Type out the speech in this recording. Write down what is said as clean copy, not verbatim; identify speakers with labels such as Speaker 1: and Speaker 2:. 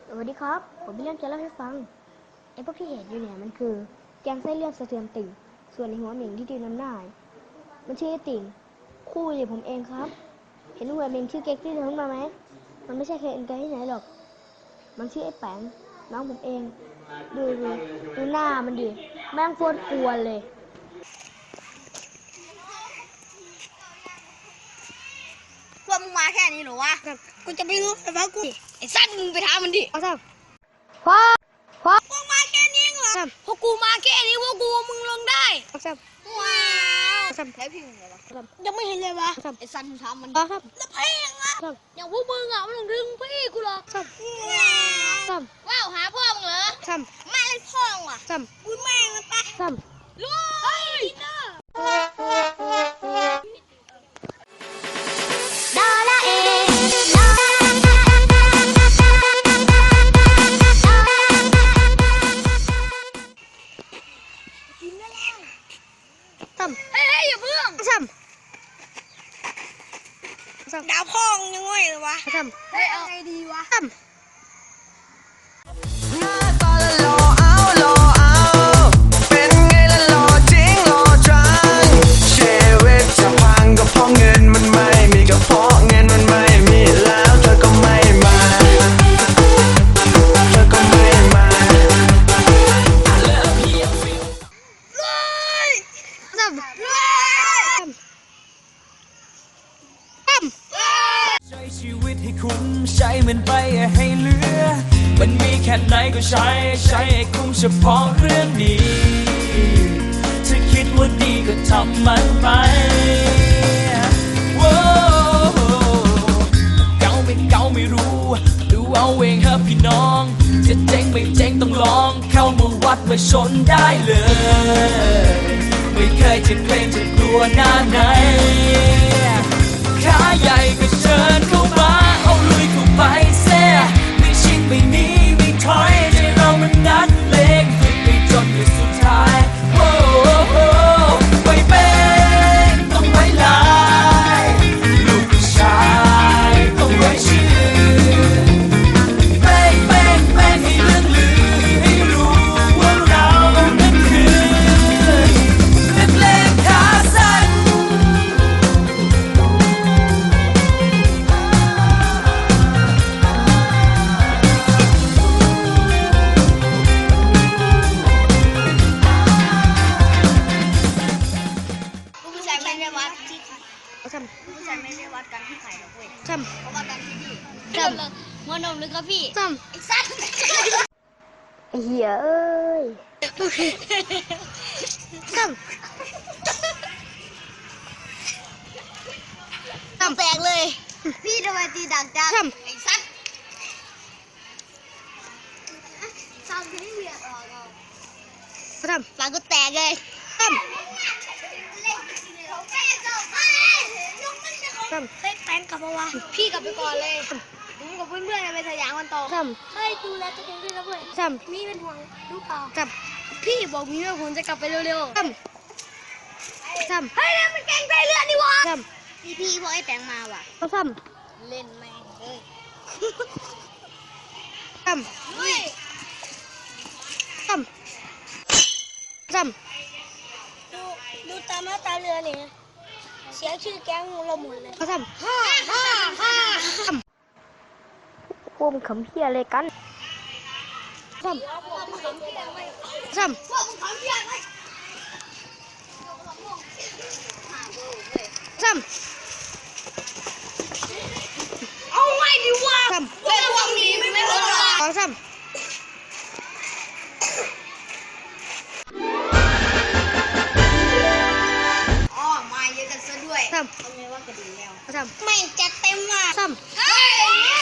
Speaker 1: สวัสดีครับผมมีเรื่องจะเล่าให้ฟังไอ้พวกที่เห็นอยู่เนี่ยมันคือแกงไส้เลื่อนสะเทือนติ่งส่วนในหัวเหม่งที่ดืนน้ำหน้ามันชื่อไอ้ติ่งคู่อยู่ผมเองครับเห็นหัวเหม่งชื่อเก๊กที่เดินมาไหมมันไม่ใช่ใครอื่นไกลที่ไหนหรอกมันชื่อไอ้แป๋งน้องผมเองดูหน้ามันดิแม่งโคตรกวนเลย
Speaker 2: ว่ามึงมาแค่นี้เหรอวะกูจะไม่รู้แต่ว่ากูไอ้สั้นมึงไปถามมันดิ
Speaker 1: ครับพ่อ
Speaker 2: มึงมาแค่นี้เหรอพวกกูมาแค่นี้พวกกูมึงลงได้
Speaker 1: ครับ
Speaker 2: ว้าวแล้วพี่มึงเหรอวะยังไม่เห็นเลยวะไอ้สั้นมึงถามมัน
Speaker 1: ครับ
Speaker 2: แล้วเพลงอะอย่างพวกมึงอะมันต้องดึงพี่กูหรอกว้าวหาพ่อมึงเหรอมาเล่นพ่อมึงว่ะกูแม่งมันปะลุยเฮ้ยอย่าเพิ่งดาวพ่องยังไงเลยวะเฮ้ยเอาไงดีวะ
Speaker 3: เป็นไงล่ะหล่อจริงหล่อจังชีวิตจะพังก็เพราะเงินมันไม่มีก็เพราะเงินมันไม่มีแล้วเธอก็ไม่มาใช้ชีวิตให้คุ้มใช้มันไปให้เหลือมันมีแค่ไหนก็ใช้ให้คุ้มเฉพาะเรื่องดีถ้าคิดว่าดีก็ทำมันไปเก่าไม่รู้ดูเอาเองครับพี่น้องจะเจ๊งไม่เจ๊งต้องลองเข้ามาวัดมาชนได้เลยไม่เคยจะเกรงจะกลัวหน้าไหนขาใหญ่ก็เชิญเข้ามาเอาลุยเข้าไปเสียไม่ชิดไม่หนีไม่ถอยใจเรามันนัดเลงฝึกไปจนในสุดท้ายไม่เป็นต้องไว้ลายลูกผู้ชายต้องไว้ชื่อแป้งให้เรื่องลือให้รู้ว่าเรานั้นคือนักเลงขาสั้น
Speaker 2: ผู้ชายไม่ได้วัดที่ผู้ชายไม่ได้วัดกันที่ไข่หรอกเว้ยเขาวัดกันที่นี่หัวนมหรือครับพี่ไอ้สัตว์
Speaker 1: ไอ้เหี้ยเอ้ย
Speaker 2: แตกเลยพี่ทำไมตีดังจังไอ้สัตว์ซ้ำที่เรียกออกหลังก็แตกเลยเฮ้ยแป้งกลับมาวะพี่กลับไปก่อนเลยผมกับเพื่อนๆไปสยามกันต่อเฮ้ยดูแลตัวเองด้วยนะเพื่อนมีเป็นห่วงลูกเปล่าพี่บอกมีว่าผมจะกลับไปเร็วๆเฮ้ยมันแกงไส้เลือดนี่วะพี่พอไอ้แตงมาว่ะเล่นแม่งเลยเฮ้ยดูตามหน้าตาเรือเนี่ยเสียชื่อแก๊งเราหมดเลย
Speaker 1: พวกมึงขำเหี้ยอะไรกัน
Speaker 2: เอาไว้ดิวะเล่นพวกนี้ไม่พอหรอกมาเยอะกันซะด้วยเอาไงว่ากระดิ่งแล้วไม่จัดเต็มว่ะเฮ้ย